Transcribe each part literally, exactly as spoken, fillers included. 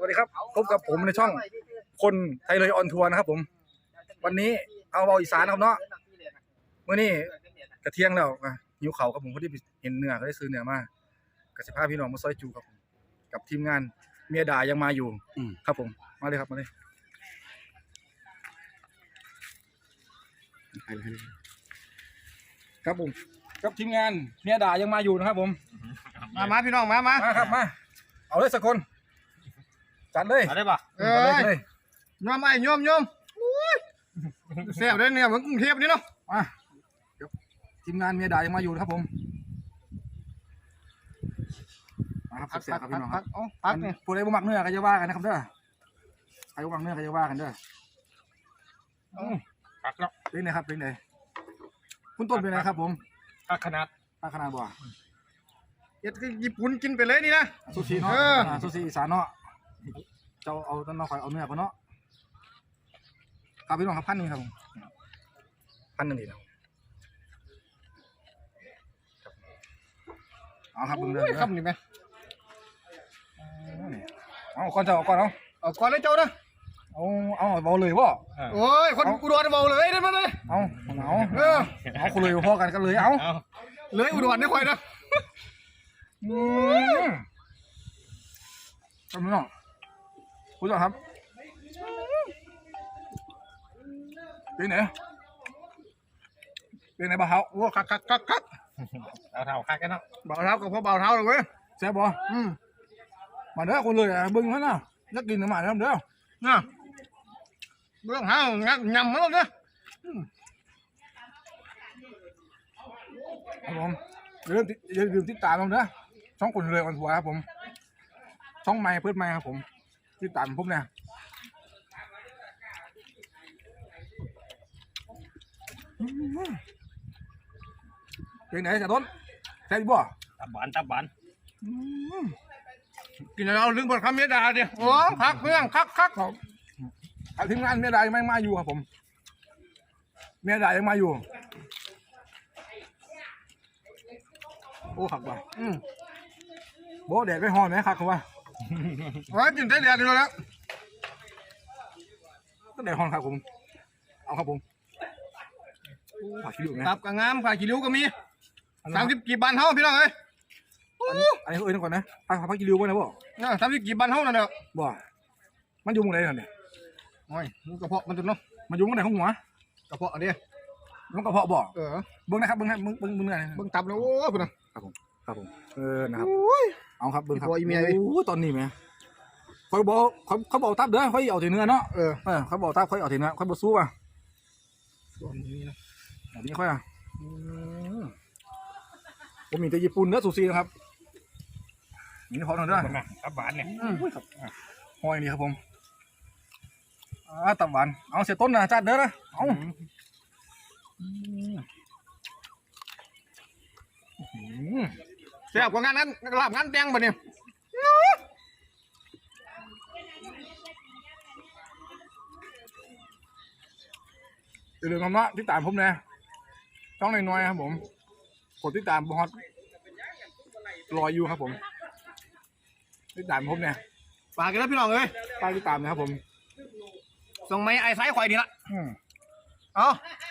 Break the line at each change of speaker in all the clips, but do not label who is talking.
วัสดีครับพบกับผมในช่องคนไทยเลยออนทัวร์นะครับผมวันนี้เอาเบาอีสานครับเนาะเมื่อนี้กระเที่ยงแล้วหิวเขาครับผมพอดีเห็นเนื้อก็ได้ซื้อเนื้อมากระสิบห้าพี่น้องมาซอยจูครับกับทีมงานเมียด่ายังมาอยู่ครับผมมาเลยครับมาเลยครับผมกับทีมงานเมียด่ายังมาอยู่นะครับผม
มามาพี่น้องมามา
มาครับมาเอาเลยสักคนจัดเลย
ได้ปะเออเลยยอมไอ้ยอมยอมเสียบเลยเนี่ยเหมือนกรุงเทพนี่เนาะ
มาทีมงานเมียด่ายังมาอยู่นะครับผมมาครับเสียบครับพี่น้องครับ
พักเนี่ย
ผู้ใดบ่มักเนื้อก็จะว่ากันนะครับเด้อใครบ่มักเนื้อก็จะว่ากันเด้อ
พักแล้ว
เป็นไงครับเป็นไงคุณต้นเป็นไงครับผม
พักขนาด
พักขนาดบ่
เอ็ดคือญี่ปุ่นกินไปเลยนี่นะ
ซูชิเนาะซูชิอีสานเนาะเจ้าเอาต้นน้องคอยเอาเนื้อก่อนเนาะครับพี่น้องครับพันหนึ่งครับผมพันหนึ่งดีนะเอาครับบึ้งเลย
ครับนี่ไหม
เอาก่อนเจ้าก่อนเอา
เอาก่อนเลยเจ้านะ
เอาเอาเบาเลยวะ
โอ้ยคนอุดรเบาเลยได้ไหมเลย
เอาเอาเออเอาคนเลยพอกันกันเลยเอา
เลยอุดรได้ค่อยนะ
อืมทำไมน้องคุณผู้ชมครับเป็นไงเป็นไงบ่าวเท้า
โอ้คักคักคักคัก
บ่าวเท้าคักกันเนาะ
บ่าวเท้ากับพ่อบ่าวเท้าเลยเว้ย
แซ่บบ่อืมมาเด้อคนเลยอ่ะบึ้งเขาเนาะนักกินน้ำมันเด้อเด้อ
น่ะเรื่องห้าวงัดยำมั้งเนี่ย
ครับผมอย่าลืมอย่าลืมติดตามผมนะช่องคนเลยวันหัวครับผมช่องไม้เพื่อนไม้ครับผมติดตามผมเนี่ยเป็นไหนจ่าต้นแซ่บบ่
ตับบานตับบานกินแล้วลึงบนคำเมียดาเดียวโอ้คักเพื่อนคักคัก
ทีมงานเมียดายังไม่มาอยู่ครับผมเมียดายังมาอยู่โอ้ขับว่ะอืมโบแดดไม่หอนไหมครับเขาว่า
ว่ากินได้แดดดีแล้ว
ก็แดดหอนครับผมเอาครับผมผักขี้ริ้วไหม
ครับกางงามผักขี้ริ้วก็มีสามสิบกี่บันเท่าพี่น้องเอ้ย
อันนี้เอ้ยนั่นก่อนนะผักผักขี้ริ้วมั้ยนะบ่
สามสิบกี่บันเท่านั่นเด้อ
บ่มันอยู่ตรงไหนเนี่ย
โอ้ยกระเพาะมันจุดเนาะ
มันอยู่ตรงไหนของหัว
กระเพาะอันนี้
มันกระเพาะบ่
เออ
เบิ้งนะครับเบิ้งให้เบิ้งเบิ้งเบิ้งอะไร
เบิ้งตับแล้วโอ้พี่น้อง
ครับผมครับผมเออนะครับเอาครับเบิ้งครับ
โ
อ้ตอนนี้ไหมเขาบอกเขาเขาบอกตับเด้อเขาเอาถึงเนื้อเนาะ
เออ
เออเขาบอกตับเขาเอาถึงเนื้อเขาบอกสู้อ่ะ
ส่วนนี้นะ
แบบนี้ค่อยอ่ะผมมีแต่ญี่ปุ่นเนื้อซูชินะครับนี่พอหน่อยด้วย
ตับหวานเนี่ย
หอยนี่ครับผมอ่าตับหวานเอาเสียต้นนะจัดเด้อนะเอา
เสียบกว่างานนั้นหลับงานแดงบ่เนี่ย
อย่าลืมคำว่าติดตามผมนะช่องน้อยๆครับผมกดติดตามบอสรออยู่ครับผมติดตามผมเนี่ย
ฝากกันแล้วพี่น้องเลย
ฝากติดตามนะครับผม
ส่งไม้ไอ้ไซส์ควายดีละเอา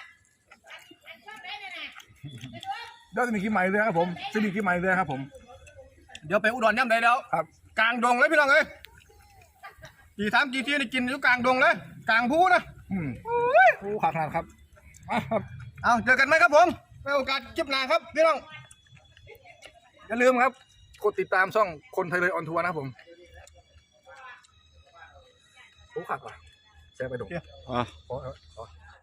เดี๋ยวจะมีกี่ไม้เลยครับผมจะมีกี่ไม้เลยครับผม
เดี๋ยวไปอุดรย่ำได้แล้ว
ครับ
กลางดงเลยพี่น้องเอ้ยกี่ทำกี่ที่นี่กินอยู่กลางดงเลยกลางภูนะ
อืมโอ้ขาดขนาดครับ
เอาเจอกันไหมครับผมในโอกาสคลิปหน้าครับพี่น้อง
อย่าลืมครับกดติดตามช่องคนไทยเลยออนทัวร์นะครับผมโอ้ขาดว่ะแชร์ไปดู
อ๋อ